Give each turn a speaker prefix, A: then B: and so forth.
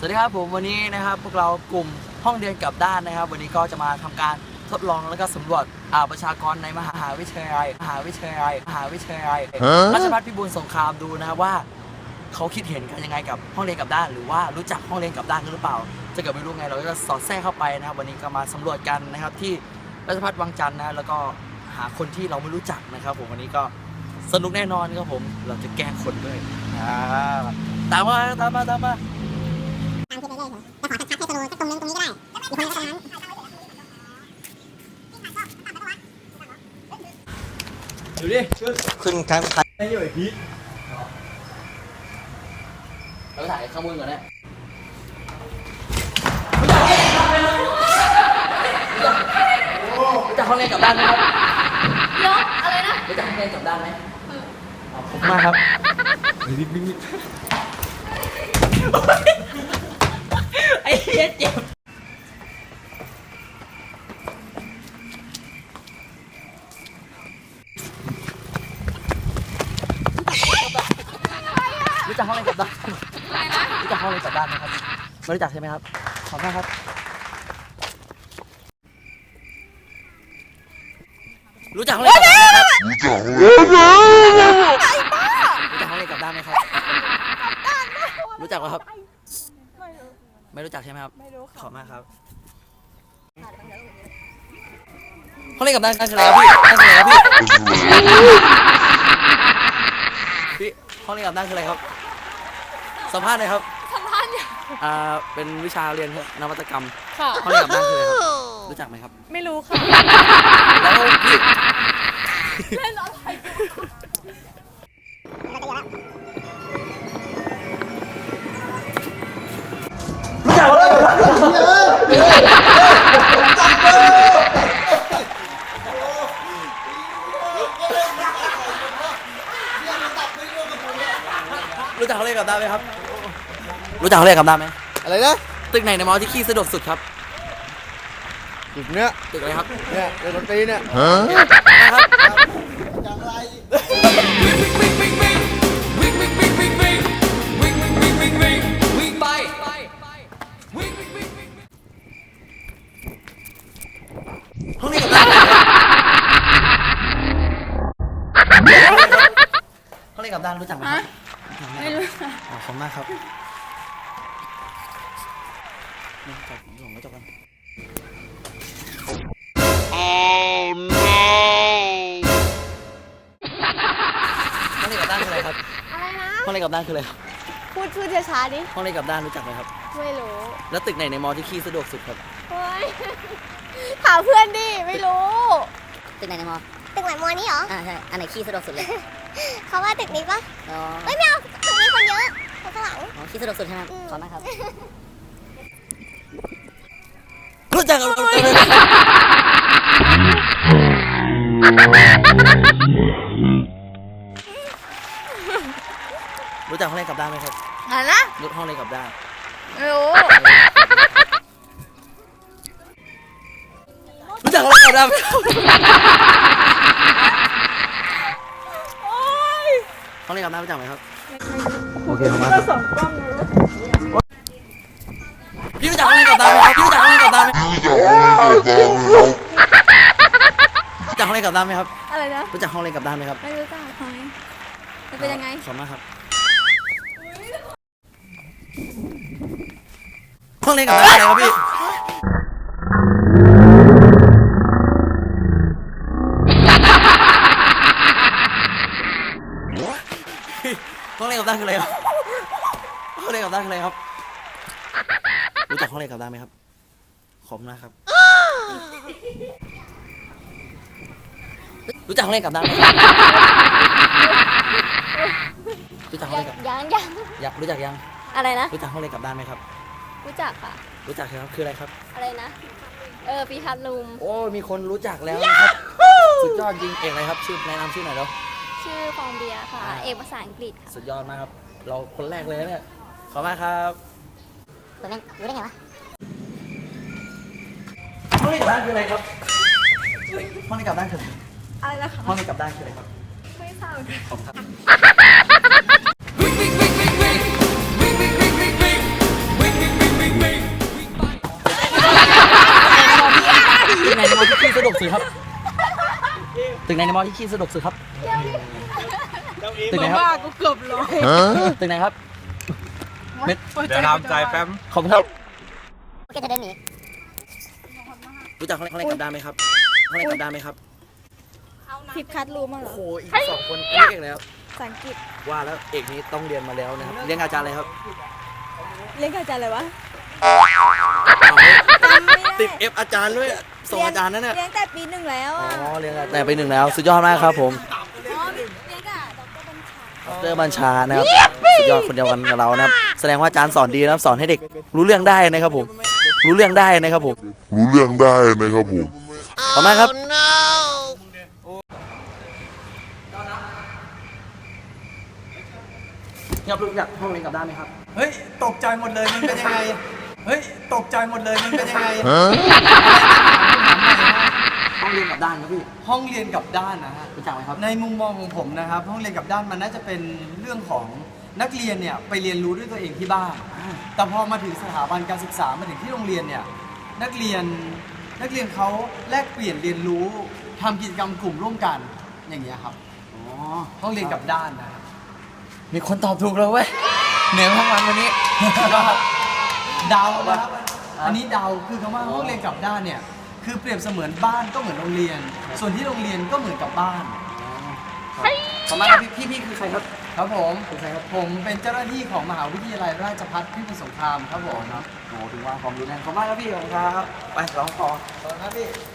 A: วัสดีครับผมวันนี้นะครับพวกเรากลุ่มห้องเรียนกลับด้านนะครับวันนี้ก็จะมาทำการทดลองแล้วก็สำรวจประชากรในมหาวิทยาลัยราชภัฏพิบูลสงครามดูนะครับว่าเขาคิดเห็นกันยังไงกับห้องเรียนกลับด้านหรือว่ารู้จักห้องเรียนกลับด้านกันหรือเปล่าจะเกิดไม่รู้ไงเราก็จะสอดแทรกเข้าไปนะครับวันนี้ก็มาสำรวจกันนะครับที่ราชภัฏวังจันทร์นะแล้วก็หาคนที่เราไม่รู้จักนะครับผมวันนี้ก็สนุกแน่นอนครับผมเราจะแกล้งคนด้วยตามมา
B: ตามคลิปเรื่อยๆแต่ขอชัดๆให้สโลว์สักตรงนึงตรงนี้ก็ได้อีกคนนึงก็ตรงนั้น
A: ดูดิขึ้นครั้งไอ้นี่ไอ้พีเราถ่ายข้างบนก่อนเนี่ยรู้จักห้องเรียนกลับด้านไหมครับ
C: ยกอะไรนะ
A: รู้จักห้องเรียนกลับด้านไหมขอบคุณมากครับไอ้เหี้ยเจ็บรู้จักห้องเรียนกลับด้านรู้จักห้องเรียนกลับด้านไหมครับไม่รู้จักใช่ไหมครับขอบคุณครับรู้จักห้องเรียนกลับด้านไหมครับรู้จักห้องเรียนกลับด้านไหมครับรู้จักไหมครับไม่รู้จักใช่ไหมครับไม่รู้ขอบมากครับห้องเรียนกลับด้านคืออะไรครับพี่นั่นคืออะไรครับพี่ห้องเรียนกลับด้านคืออะไรครับสัมภาษณ์หน่อยครับ
C: สัมภาษณ์อย่าง
A: เป็นวิชาเรียนนวัตกรรม
C: ค่ะ
A: ห้องเรียนกลับด้านคืออะไรครับรู้จักไหมครับ
C: ไม่รู้ค่ะ
A: แล้วพี่
C: เล่นอะไร
A: รู้จักเลยรู้จักเขาเรียกกับด้าไหมครับรู้จักเขาเรียกกับด้าไหม
D: อะไรนะ
A: ตึกไหนในมอที่ขี้สะดวกสุดครับ
D: ตึกเนี้ย
A: ตึกอะไรครับ
D: เนี่ยเรียนดนตรีเนี่ย
A: ครับ
D: อย่างไร
A: ไปห้องนี้กับด้านห้องนี้กับด้านรู้จักไหมครับ
C: ไม่รู้
A: ขอบคุณมากครับนี่จับส่งกระจกกันห้องนี้กับด้านคืออะไรครับ
C: อะไรนะ
A: ห้องนี้กับด้านคืออะไรครับ
C: พูดช้าๆดิ
A: ห้องนี้กับด้านรู้จักไหมครับ
C: ไม่รู้
A: แล้วตึกไหนในมอที่ขี้สะดวกสุดครับ
C: เฮ้ยถามเพื่อนดิไม่รู้
B: ตึกไหนในมอตึกไหนมอนี่เหรอ
D: ใช่อันไหนขี้สะดวกสุดเลย
B: เขาว่าตึกนี้ปะ
D: อ๋อ
B: เฮ้ยไม่เอาตึกนี้คนเยอะคนข้างหลัง
D: ขี้สะดวกสุดใช่ไหมขอบมากครับ
A: รู้จักกับรู้จักห้องเรียนกลับด้านไหมครับ
C: อะไรนะ
A: รู้ห้องเรียนกลับด้าน
C: ไม่รู้
A: รู้จักห้องเรียนกลับด้านไหมห้องเรียนกลับด้านรู้จักไหมครับโอเคขอบคุณมากพี่รู้จักห้องเรียนกลับด้านไหมครับพี่รู้จักห้องเรียนกลับด้านไหมรู้จักห้องเรียนกลับด้านไหมครับ
C: อะไรนะ
A: รู้จักห้องเรียนกลับด้านไหมครับ
C: ไม่รู้จักทำไมมันเป็นยังไง
A: ขอบคุณมากครับห้องเรียนกลับด้านอะไรครับพี่ห้องเรียนกลับด้านคืออะไรครับห้องเรียนกลับด้านคืออะไรครับรู้จักห้องเรียนกลับด้านไหมครับขอบคุณมากครับรู้จักห้องเรียนกลับด้านไหมรู้จักห้องเรียนกลับอยากรู้จักยัง
C: อะไรนะ
A: รู้จักห้องเรียนกลับด้านไหมครับ
C: รู้จักค่ะ
A: รู้จักครับคืออะไรครับ
C: อะไรนะปีทัศน์ลุม
A: โอ้มีคนรู้จักแล้วนะครับสุดยอดจริงเอกอะไรครับชื่อแนะนำชื่อหน่อยแล้ว
C: ชื่อฟองเบียร์ค่ะเอกภาษาอังกฤษค่ะ
A: สุดยอดมากครับเราคนแรกเลยเนี่ยขอบคุณมากครับ
B: รู้ได้ไงวะ
A: ห้องเรียนกลับด้านคืออะไรครับห้องเรียนกลับด้านคือ
C: อะไรนะคะ
A: ห้องเรียนกลับด้านคืออะไรครับ
C: ไม่ทราบ
A: ขอบคุณครับสุดครับตึกไหนในมอที่ขี้สะดวกสุดครับตึกไหนครับ
C: กูเกือบร้อย
A: ตึกไหนครับเม็ด
E: เดี๋ยวทำใจแป๊บ
A: ขอบคุณครับ
D: โอเคจะเดินหนี
A: รู้จักห้องเล่นกับด้านไหมครับห้องเล่นกับด้านไหมครับ
C: ทิปคัดรู้มาเหร
A: โอ้
C: อ
A: โหอีก2 คนเรียกแล้ว
C: ภาษาอังกฤษ
A: ว่าแล้วเอกนี้ต้องเรียนมาแล้วนะครับเรียนกับอาจารย์อะไรครับ
C: เรียนกับอาจารย์อะไรวะ
A: ติด F อาจารย์ด้วยส่งอาจารย์นั่นน่ะ
C: เรียนแต่ปีหนึ่งแล้ว
A: อ๋
C: อ่ะ
A: อเรียนแต่ไป1แล้วสุดยอดมากครับผม
C: เรียนกับดรบัญชา
A: ดรบัญชานะครับสุดยอดคนเดียวกันกับเรานะครับแสดงว่าอาจารย์สอนดีนะครับสอนให้เด็กรู้เรื่องได้นะครับผมรู้เรื่องได้นะครับผม
F: รู้เรื่องได้นะครับผม
A: ต่อมาครับเนี่ยรู้จักห้องเรียนกับด้านไหมครับ
E: เฮ้ย ตกใจหมดเลย มันเป็นยังไง เฮ้ย ตกใจหมดเลย มันเป็นยังไง
A: ห้องเรียนกับด้านครับพี่
E: ห้องเรียนกับด้านนะฮะ
A: รู้จักไหมครับ
E: ในมุมมองของผมนะครับ ห้องเรียนกับด้านมันน่าจะเป็นเรื่องของนักเรียนเนี่ยไปเรียนรู้ด้วยตัวเองที่บ้าน แต่พอมาถึงสถาบันการศึกษามาถึงที่โรงเรียนเนี่ยนักเรียนเขาแลกเปลี่ยนเรียนรู้ทำกิจกรรมกลุ่มร่วมกันอย่างเงี้ยครับ
A: อ๋อ
E: ห้องเรียนกับด้านนะ
A: มีคนตอบถูกแล้วเว้ยเหนื่อยทั้งวันวันนี้สุดยอด
E: เดานะครับอันนี้เดาคือคำว่าห้องเรียนกับด้านเนี่ยคือเปรียบเสมือนบ้านก็เหมือนโรงเรียน ส่วนที่โรงเรียนก็เหมือนกับบ้าน
A: ขอบคุณมากครับพี่คือใครครับ
E: ครับผม
A: เป็นใครครับ
E: ผมเป็นเจ้าหน้าที่ของมหาวิทยาลัยราชภัฏพิบูลสงครามครับผม
A: โอ้ถึงว่าความรู้แน่นขอบคุณมากครับพี่ขอบคุณครับไปร้องคอ
E: ขอบคุณครับพี่